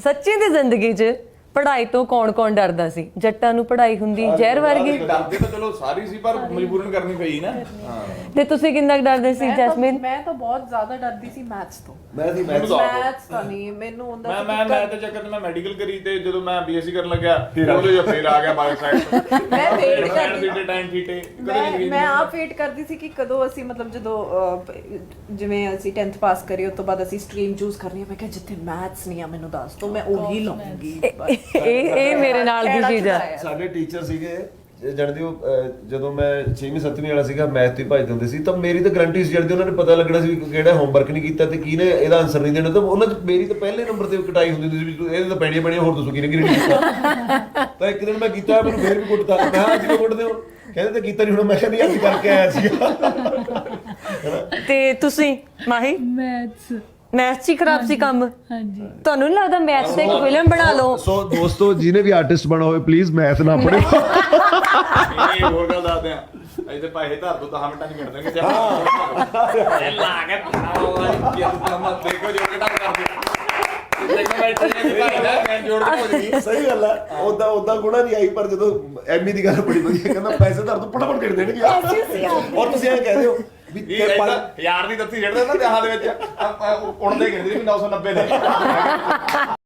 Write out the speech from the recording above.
ਸੱਚੀ ਦੀ ਜ਼ਿੰਦਗੀ 'ਚ ਪੜ੍ਹਾਈ ਤੋਂ ਕੌਣ ਡਰਦਾ ਸੀ? ਜੱਟਾਂ ਨੂੰ ਪੜ੍ਹਾਈ ਹੁੰਦੀ ਜ਼ਹਿਰ ਵਰਗੀ। ਡਰਦੇ ਤਾਂ ਚਲੋ ਸਾਰੀ ਸੀ ਪਰ ਮਜਬੂਰਨ ਕਰਨੀ ਪਈ ਨਾ। ਤੇ ਤੁਸੀਂ ਕਿੰਨਾ ਕੁ ਡਰਦੇ ਸੀ ਜੈਸਮੀਨ? ਮੈਂ ਤਾਂ ਬਹੁਤ ਜ਼ਿਆਦਾ ਡਰਦੀ ਸੀ ਮੈਥਸ ਤੋਂ। ਮੈਥਸ ਤਾਂ ਨਹੀਂ ਮੈਨੂੰ ਹੁੰਦਾ ਸੀ। ਮੈਂ ਤੇ ਚੱਕਰ ਤੇ ਮੈਂ ਮੈਡੀਕਲ ਕਰੀ ਤੇ ਜਦੋਂ ਮੈਂ ਬੀਐਸਸੀ ਕਰਨ ਲੱਗਿਆ ਉਹਦੇ ਜੋ ਫੇਰ ਆ ਗਿਆ ਬਾਇਓ ਸਾਇੰਸ। ਮੈਂ ਵੇਟ ਕਰਦੀ ਸੀ ਟਾਈਮ ਥੀਟੇ ਮੈਂ ਆਪ ਵੇਟ ਕਰਦੀ ਸੀ ਕਿ ਕਦੋਂ ਅਸੀਂ ਮਤਲਬ ਜਦੋਂ ਜਿਵੇਂ ਅਸੀਂ 10th ਪਾਸ ਕਰੀ ਉਸ ਤੋਂ ਬਾਅਦ ਅਸੀਂ ਸਟਰੀਮ ਚੂਜ਼ ਕਰਨੀ ਹੈ। ਮੈਂ ਕਿਹਾ ਜਿੱਥੇ ਮੈਥਸ ਨਹੀਂ ਆ ਮੈਨੂੰ ਦੱਸ ਦੋ, ਮੈਂ ਉਹੀ ਲਵਾਂਗੀ। ਇਹ ਮੇਰੇ ਨਾਲ ਦੀ ਚੀਜ਼ ਆ। ਸਾਡੇ ਟੀਚਰ ਸੀਗੇ ਜਾਣਦੇ ਹੋ, ਜਦੋਂ ਮੈਂ 6ਵੀਂ 7ਵੀਂ ਵਾਲਾ ਸੀਗਾ ਮੈਥ ਤੋਂ ਭੱਜਦੇ ਹੁੰਦੇ ਸੀ ਤਾਂ ਮੇਰੀ ਤਾਂ ਗਰੰਟੀ ਸੀ ਜਾਣਦੇ ਉਹਨਾਂ ਨੇ ਪਤਾ ਲੱਗਣਾ ਸੀ ਵੀ ਕਿਹੜਾ ਹੋਮਵਰਕ ਨਹੀਂ ਕੀਤਾ ਤੇ ਕਿਹਨੇ ਇਹਦਾ ਆਨਸਰ ਨਹੀਂ ਦੇਣਾ। ਤਾਂ ਉਹਨਾਂ 'ਚ ਮੇਰੀ ਤਾਂ ਪਹਿਲੇ ਨੰਬਰ ਤੇ ਕਟਾਈ ਹੁੰਦੀ ਸੀ ਵੀ ਇਹਦੇ ਤਾਂ ਪੈਣੀਆਂ ਹੋਰ ਦੱਸੋ ਕਿਹਨੇ ਨਹੀਂ ਕੀਤਾ। ਤਾਂ ਇੱਕ ਦਿਨ ਮੈਂ ਕੀਤਾ, ਮੈਨੂੰ ਫੇਰ ਵੀ ਕੁੱਟਤਾ। ਮੈਂ ਕਿਹਾ ਅੱਜ ਕਿਉਂ ਕੁੱਟਦੇ ਹੋ? ਕਹਿੰਦੇ ਤਾਂ ਕੀਤਾ ਨਹੀਂ ਹੁਣ। ਮੈਂ ਕਿਹਾ ਨਹੀਂ ਅੱਜ ਕਰਕੇ ਆਇਆ ਸੀਗਾ। ਤੇ ਤੁਸੀਂ ਮਾਹੀ? ਮੈਥ 'ਚ ਹੀ ਖਰਾਬ ਸੀ ਕੰਮ। ਹਾਂਜੀ। ਤੁਹਾਨੂੰ ਨਹੀਂ ਲੱਗਦਾ ਮੈਥ ਤੇ ਇੱਕ ਫਿਲਮ ਬਣਾ ਲਓ? ਸੋ ਦੋਸਤੋ ਜਿਹਨੇ ਵੀ ਆਰਟਿਸਟ ਬਣਾ ਹੋਵੇ ਪਲੀਜ਼ ਮੈਥ ਨਾ ਪੜ੍ਹੇ। ਇਹ ਹੋਰ ਗੱਲ ਦੱਸਦੇ ਆ, ਅਸੀਂ ਤੇ ਪੈਸੇ ਧਰ ਦੋ 10 ਮਿੰਟਾਂ 'ਚ ਗਿਣ ਦੇਣਗੇ। ਲਾ ਕੇ ਦੇਖੋ ਜੋ ਕਿਟਾ ਕਰਦੇ ਸਹੀ ਗੱਲ ਹੈ। ਉਦਾਂ ਗੁਣਾ ਨਹੀਂ ਆਈ ਪਰ ਜਦੋਂ ਐਮੀ ਦੀ ਗੱਲ ਬੜੀ ਵਧੀਆ ਕਹਿੰਦਾ ਪੈਸੇ ਧਰ ਦੋ ਫਟਾਫਟ ਗਿਣ ਦੇਣਗੇ। ਔਰ ਤੁਸੀਂ ਐਂ ਕਹਿੰਦੇ ਹੋ ਵੀ ਯਾਰ ਦੀ ਦੱਸੀ ਛੱਡਦੇ ਨਾ ਵਿਆਹਾਂ ਦੇ ਵਿੱਚ ਉਣਦੇ ਗਿਣਦੇ ਵੀ 990 ਦੇ।